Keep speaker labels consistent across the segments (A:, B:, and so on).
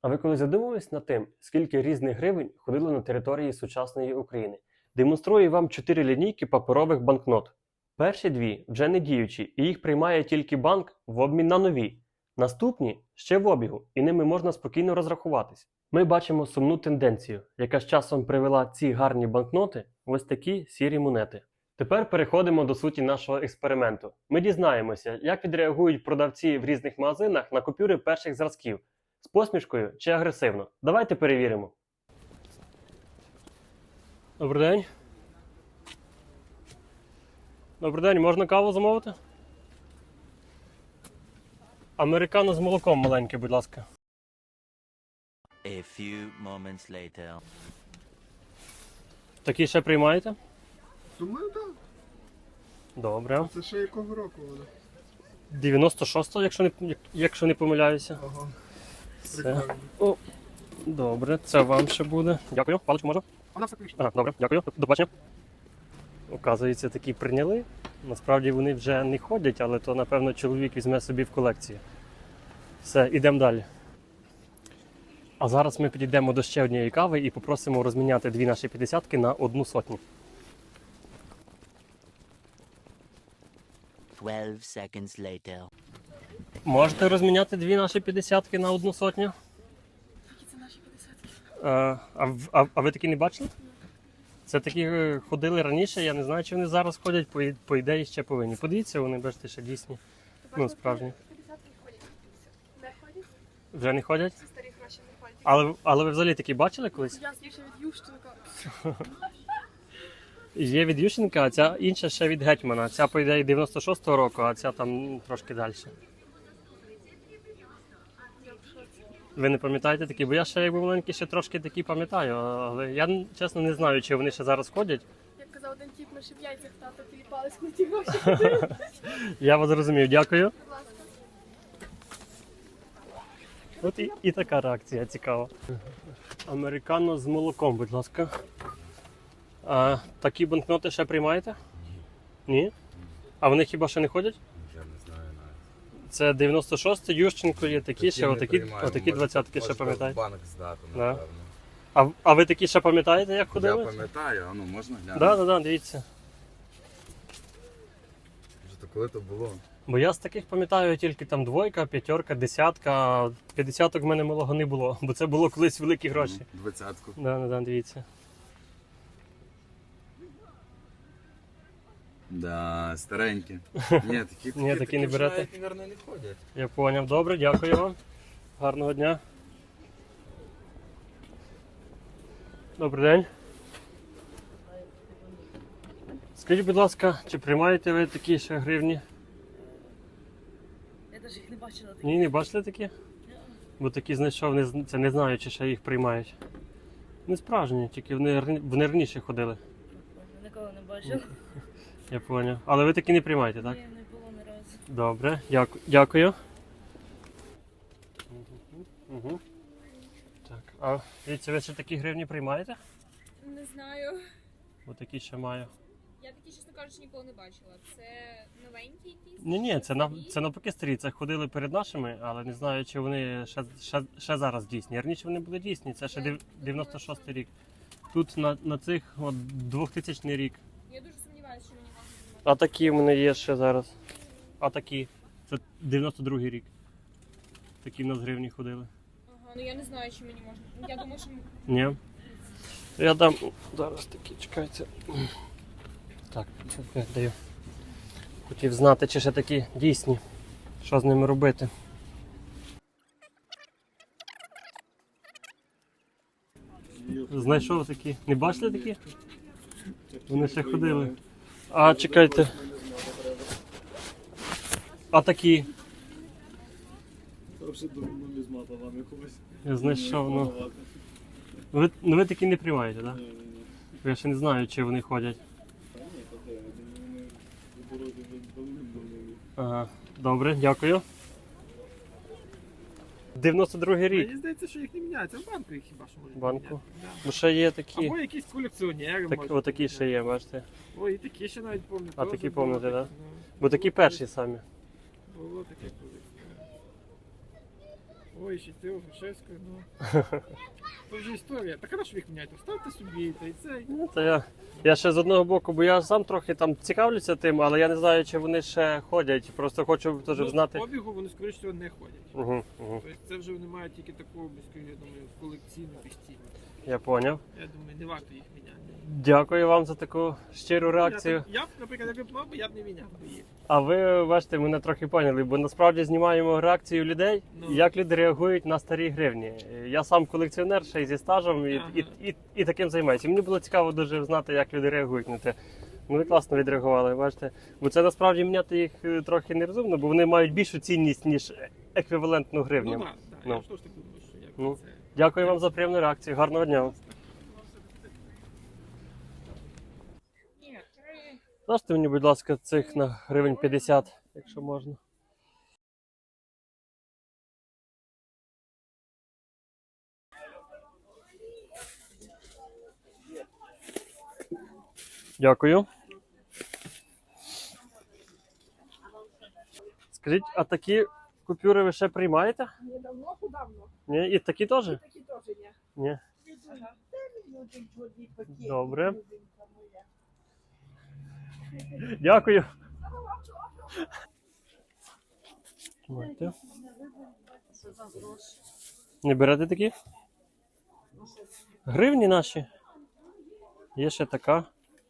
A: А ви коли задумувались над тим, скільки різних гривень ходило на території сучасної України? Демонструю вам 4 лінійки паперових банкнот. Перші дві вже не діючі, і їх приймає тільки банк в обмін на нові. Наступні ще в обігу, і ними можна спокійно розрахуватись. Ми бачимо сумну тенденцію, яка з часом привела ці гарні банкноти в ось такі сірі монети. Тепер переходимо до суті нашого експерименту. Ми дізнаємося, як відреагують продавці в різних магазинах на купюри перших зразків. З посмішкою чи агресивно? Давайте перевіримо. Добрий день. Добрий день, можна каву замовити? Американо з молоком маленьке, будь ласка.
B: A few moments later.
A: Такі ще приймаєте?
C: Думаю, так.
A: Добре.
C: Це ще якого року вона?
A: 96-го, якщо не помиляюся.
C: Ага.
A: Це.
C: Прикольно.
A: О, добре, це вам ще буде. Дякую. Паличку можна?
C: Вона все пише.
A: Ага, добре, дякую. До побачення. Оказується, такі прийняли. Насправді вони вже не ходять, але то, напевно, чоловік візьме собі в колекцію. Все, ідемо далі. А зараз ми підійдемо до ще однієї кави і попросимо розміняти дві наші 50-ки на 1 сотню.
B: 12 seconds later.
A: Можете розміняти дві наші 50-ки на 1 сотню?
D: Які це наші 50-ки?
A: А ви такі не бачили? Це такі ходили раніше, я не знаю, чи вони зараз ходять, по ідеї ще повинні. Подивіться, вони, бачите, ще дійсні. Ну, справжні.
D: 50-ки ходять. Не ходять?
A: Вже не ходять?
D: Ці старі гроші не ходять.
A: Але ви взагалі такі бачили колись?
D: Я ще від Ющенка.
A: Є від Ющенка, а ця інша ще від Гетьмана. Ця, по ідеї, 96-го року, а ця там трошки далі.
D: Я в шоці.
A: Ви не пам'ятаєте такі? Бо я ще, як був маленький, ще трошки такі пам'ятаю, але я, чесно, не знаю, чи вони ще зараз ходять.
D: Як казав один тіп, ми ще в яйцях тато тіліпались на ті гроші.
A: Я вас зрозумів, дякую.
D: Будь ласка.
A: От і така реакція цікава. Американо з молоком, будь ласка. А такі банкноти ще приймаєте? Ні. А вони хіба ще не ходять?
E: Я не знаю навіть.
A: Це 96-й, Ющенко є такі ще,
E: не
A: отакі
E: приймаємо.
A: 20-ки ще
E: Можете
A: пам'ятаєте?
E: в банк здати,
A: Да.
E: напевно.
A: А ви такі ще пам'ятаєте, як
E: Я
A: ходили?
E: пам'ятаю, а ну можна глянути?
A: Так, дивіться.
E: Вже то коли то було?
A: Бо я з таких пам'ятаю тільки там 2, 5, 10, 50-ок в мене малого не було, бо це було колись великі гроші.
E: 20-ку.
A: Да, дивіться.
E: Да, старенькі. Ні, такі,
A: Ні, такі не
E: вже
A: берете?
E: навіть, мабуть, не ходять.
A: Я поняв. Добре, дякую вам. Гарного дня. Добрий день. Скажіть, будь ласка, чи приймаєте ви такі ще гривні?
D: Я навіть їх не бачила.
A: Ні, не бачили такі? Бо такі знайшов, це не знаю, чи ще їх приймають. Не справжні, тільки вони раніше ходили.
D: Ніколи не бачила.
A: Я поняв. Але ви такі не приймаєте, так?
D: Ні, не було ні разу.
A: Добре, дякую. Угу. Так, а дивіться, ви ще такі гривні приймаєте?
F: Не знаю.
A: Бо такі ще маю.
F: Я такі, чесно кажучи, ніколи не бачила. Це новенькі якісь?
A: Ні,
F: Старі?
A: це навпаки старі. Це ходили перед нашими, але не знаю, чи вони ще зараз дійсні. Раніше вони були дійсні, це ще 96-й рік. Тут на цих от 2000 рік.
F: Я дуже сумніваюся, що мені можна знімати.
A: А такі в мене є ще зараз. А такі. Це 92-й рік. Такі в нас гривні ходили.
F: Ага, ну я не знаю, чи мені можна. Я думаю, що
A: Ні. Я дам зараз такі, чекайте. Так, це даю. Хотів знати, чи ще такі дійсні. Що з ними робити. Знайшов такі. Не бачили такі? Вони ще ходили. А, чекайте. А такі. Я знайшов, ну. Ви такі не приймаєте, так? Я ще не знаю, чи вони ходять. Ага, добре, дякую. 92-й рік.
C: Мені здається, що їх не міняється. В банку їх хіба що можуть
A: Банку?
C: міняти. Да.
A: Ну ще є такі.
C: Або якісь колекціонери.
A: Так,
C: може.
A: отакі ще є, бачите.
C: О, і такі ще навіть пам'ятаю.
A: А
C: Теж
A: такі
C: було
A: пам'ятаєте,
C: таке,
A: да? Бо такі перші самі.
C: Було таке колись. Ой, ще ти Грушевською, ну. Це вже історія. Так а на що ви їх міняєте? Ставте собі, та й цей.
A: Ну, то я ще з одного боку, бо я сам трохи там цікавлюся тим, але я не знаю, чи вони ще ходять. Просто хочу теж знати.
C: В обігу вони, скоріше всього, не ходять.
A: Угу, угу.
C: Тобто це вже вони мають тільки таку, я думаю, колекційну постійну.
A: Я поняв.
C: Я думаю, не варто їх міняти.
A: Дякую вам за таку щиру реакцію.
C: Я б, наприклад, якби б мав, я б не міняв би їх.
A: А ви бачите, мене трохи поняли, бо насправді знімаємо реакцію людей,
C: Ну.
A: як люди реагують на старі гривні. Я сам колекціонер, ще й зі стажем, і,
C: Ага.
A: і таким займаюся. І мені було цікаво дуже знати, як люди реагують на це. Ну, ви класно відреагували, бачите. Бо це насправді міняти їх трохи нерозумно, бо вони мають більшу цінність, ніж еквівалентну гривню.
C: Ну так, так.
A: Ну.
C: Я ж теж так думаю, що як
A: Ну.
C: це.
A: Дякую вам за приємну реакцію. Гарного дня.
F: Ні, 3.
A: Дайте мені, будь ласка, цих на гривень 50, якщо можна. Дякую. Скажіть, а такі купюри ви ще приймаєте?
D: Недавно, давно.
A: Ні? І такі теж?
D: Такі теж є.
A: Ні. Добре. Дякую. Тримайте. Не берете такі? Гривні наші. Є ще така.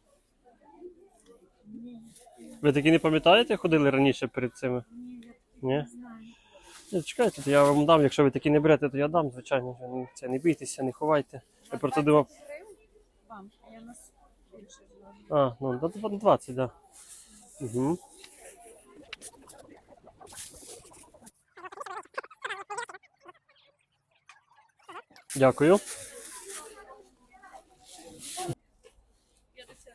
A: Ви такі не пам'ятаєте, ходили раніше перед цими? Ні? Ні, чекайте, то я вам дам, якщо ви такі не берете, то я дам, звичайно. Це не бійтеся, не ховайте. Я просто думав.
F: Вам, я нас більше зложу.
A: А, ну, до 20, так. Да. Угу. Дякую.
F: 50.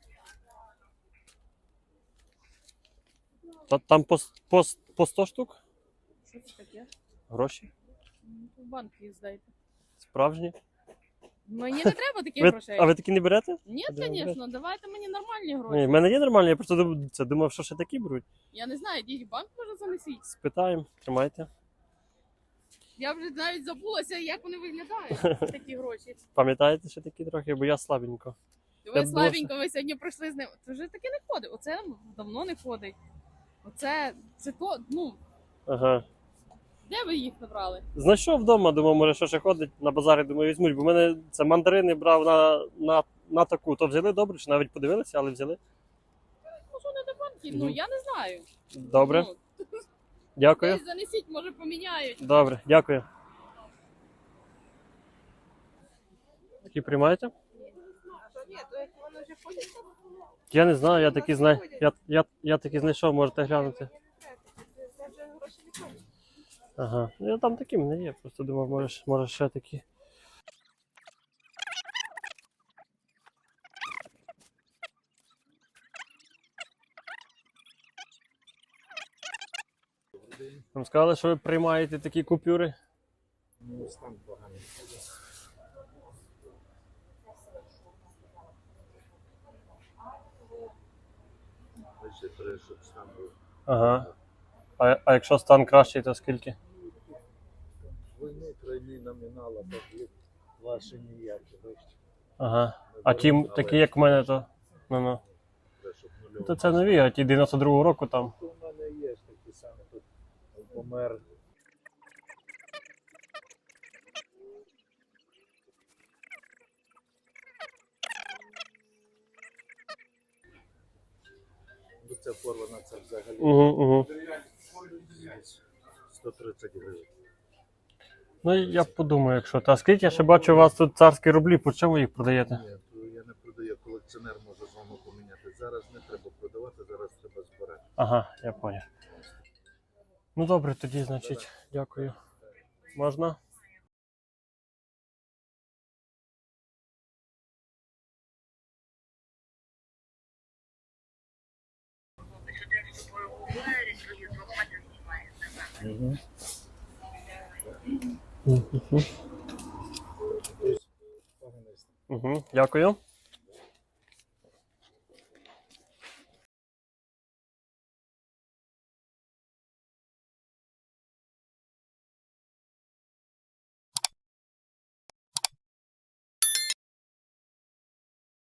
A: Там по 100 штук?
F: Що це таке?
A: Гроші?
F: В банк їх здайте.
A: Справжні?
F: Мені не треба таких
A: Ви,
F: грошей.
A: а ви такі не берете?
F: Ні,
A: Де ви
F: звісно, давайте мені нормальні гроші.
A: Ні, в мене є нормальні, я просто думав, що ще такі беруть.
F: Я не знаю, йдіть в банк, може занесіть.
A: Спитаємо, тримайте.
F: Я вже навіть забулася, як вони виглядають, такі гроші.
A: Пам'ятаєте ще такі трохи, бо я слабенько.
F: Ви
A: Я
F: слабенько, ви сьогодні пройшли з ним. Це вже таке не ходить. Оце давно не ходить. Оце, це то, ну,
A: Ага.
F: де ви їх набрали?
A: Знайшов вдома, думав, може, що ще ходить на базарі, думаю, візьмуть, бо в мене це мандарини брав на таку. То взяли добре, чи навіть подивилися, але взяли.
F: Ну, що не до банків? Ну, я не знаю.
A: Добре,
F: Ну,
A: дякую.
F: десь занесіть, може поміняють.
A: Добре, дякую. Які приймаєте?
D: Ні, то як вони вже ходять, то
A: Я не знаю, я такі знаю. Я такі знайшов, можете глянути.
D: це вже гроші не ходять.
A: Ага. Ну, там такі в мене є, просто думав, може ще такі. Вам сказали, що ви приймаєте такі купюри?
E: Ну, стан поганий. Ще треба, щоб стан був.
A: Ага. А якщо стан кращий, то скільки?
G: Війни тройні номінала, так ваші ніякі, бачите.
A: Ага. А ті, такі, як в мене, то. Ну. То це нові, а ті 92-го року там.
G: У мене є ж такі самі, тут помер. Ну, це порвана, це взагалі
A: Угу.
G: 130 гривень.
A: Ну, я подумаю, якщо. Та скажіть, я ще бачу, у вас тут царські рублі, по чому ви їх продаєте?
G: Ні, то я не продаю, колекціонер може з вами поміняти. Зараз не треба продавати, зараз треба збирати.
A: Ага, я поняв. Ну добре, тоді, значить, дякую. Можна? Угу. Дякую.